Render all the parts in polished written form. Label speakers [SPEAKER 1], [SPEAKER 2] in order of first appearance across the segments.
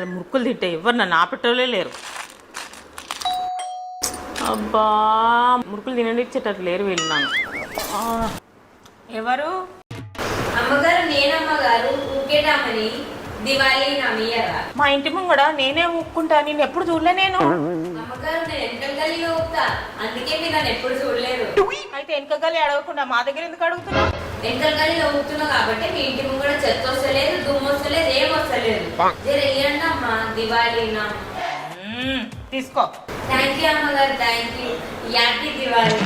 [SPEAKER 1] మురుకులు తింటే ఎవరు నన్ను ఆపేటోళ్ళే లేరు. అబ్బా మురుకులు తిననిచ్చేటట్టు లేరు వీళ్ళు నన్ను. ఎవరు?
[SPEAKER 2] అమ్మగారు నేనమ్మగారు ఊకేటామని దివాళీ నమ్మయ్యరా.
[SPEAKER 1] మా ఇంటి ముంగడ నేనే ఊక్కుంటా, నేను ఎప్పుడు చూడలే. నేను
[SPEAKER 2] అమ్మగారు నేను వెనకల గల్లీలో ఊపుతా, అందుకే మీరు నన్ను ఎప్పుడు చూడలేదు.
[SPEAKER 1] అయితే వెనక గల్లి అడగకుండా మా దగ్గర ఎందుకు అడుగుతున్నావు?
[SPEAKER 2] వెనకల గల్లీలో ఊపుతున్నా కాబట్టి మీ ఇంటి ముంగడ చెత్త వస్తలేదు, దుమ్ము వస్తలేదు, ఏం వస్తలేదు. జర ఇయ్యండి అమ్మా దివాళీ నా.
[SPEAKER 1] తీసుకో.
[SPEAKER 2] థ్యాంక్ యూ అమ్మగారు, థ్యాంక్ యూ. హ్యాపీ దివాళీ.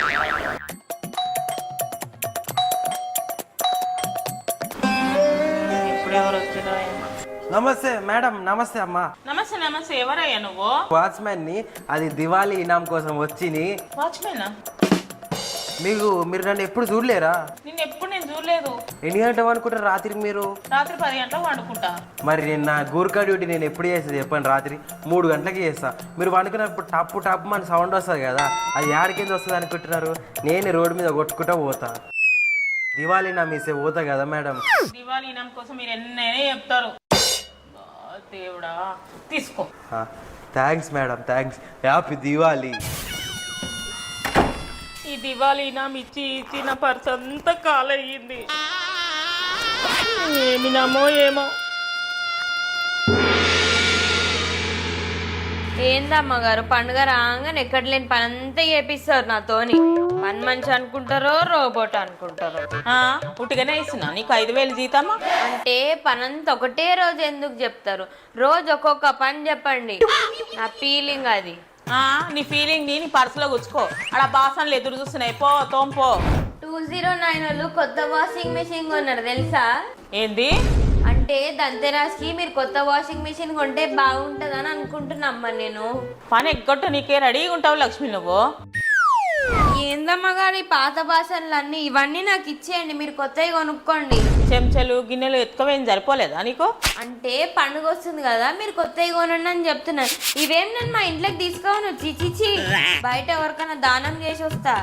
[SPEAKER 1] ఎవరు వచ్చినా?
[SPEAKER 3] నమస్తే మేడం. నమస్తే అమ్మా.
[SPEAKER 1] నమస్తే నమస్తే. ఎవరయ్యా నువ్వు?
[SPEAKER 3] వాచ్మెన్ ని. అది దివాళీ ఇనాం కోసం వచ్చిని.
[SPEAKER 1] వాచ్మెనా?
[SPEAKER 3] మీరు నన్ను ఎప్పుడు చూడలేరా?
[SPEAKER 1] నేను చూడలేదు.
[SPEAKER 3] ఎన్ని గంటలు అనుకుంటారు రాత్రికి మీరు?
[SPEAKER 1] రాత్రి 10 గంటలకు వండుకుంటా.
[SPEAKER 3] మరి నేను నా గూర్ఖా డ్యూటీ నేను ఎప్పుడు చేస్తుంది చెప్పండి? రాత్రి 3 గంటలకి చేస్తా. మీరు వండుకున్నప్పుడు టప్పు టప్పు మన సౌండ్ వస్తుంది కదా, అది యాడికింద వస్తుంది అనుకుంటున్నారు? నేను రోడ్డు మీద కొట్టుకుంటా పోతా. దివాళీ నా మీసే పోతా కదా మేడం.
[SPEAKER 1] దివాళీ ఇనాం కోసం మీరు ఎన్నైనా చెప్తారు. దేవుడా, తీసుకో.
[SPEAKER 3] Thanks madam, thanks. Happy Diwali.
[SPEAKER 1] ఈ దివాళీ ఇనాం ఇచ్చి ఇచ్చి నా పర్స్ అంతా కాలయ్యింది. ఏమి నమ్మో ఏమో.
[SPEAKER 2] ఏందమ్మగారు పండుగ రాగానే ఎక్కడ లేని పని అంతా చేపిస్తారు నాతోని. పని మనిషి అనుకుంటారో రోబోట్ అనుకుంటారో.
[SPEAKER 1] ఉట్టిగానే ఇస్తున్నా నీకు 5,000 జీతమా?
[SPEAKER 2] అంటే పనంతా ఒకటే రోజు ఎందుకు చెప్తారు? రోజు ఒక్కొక్క పని చెప్పండి. నా ఫీలింగ్ అది.
[SPEAKER 1] నీ ఫీలింగ్ నీ పర్సులో గుచ్చుకో. అలా బాసన్లు ఎదురు చూస్తున్నాయి, పో తోంపో.
[SPEAKER 2] 209 వాళ్ళు కొత్త వాషింగ్ మెషిన్ కొన్నారు తెలుసా?
[SPEAKER 1] ఏంది?
[SPEAKER 2] అంటే దంతెరాస్కి మీరు కొత్త వాషింగ్ మెషిన్ కొంటే బాగుంటుందని అనుకుంటున్నామ్మా నేను.
[SPEAKER 1] పని ఎగ్గొట్టు, నీకే రెడీగా ఉంటావు లక్ష్మి నువ్వు.
[SPEAKER 2] ఏందమ్మా గారు ఈ పాత బాసన్లు అన్ని ఇవన్నీ నాకు ఇచ్చేయండి, మీరు కొత్తవి కొనుక్కోండి.
[SPEAKER 1] చెంచాలు గిన్నెలు ఎత్తుకోవేం సరిపోలేదా నీకు?
[SPEAKER 2] అంటే పండుగ వస్తుంది కదా, మీరు కొత్తవి కొనండి అని చెప్తున్నాను. ఇవేం నేను మా ఇంట్లోకి తీసుకోను, చిచిచి బయట ఎవరికైనా దానం చేసి వస్తా.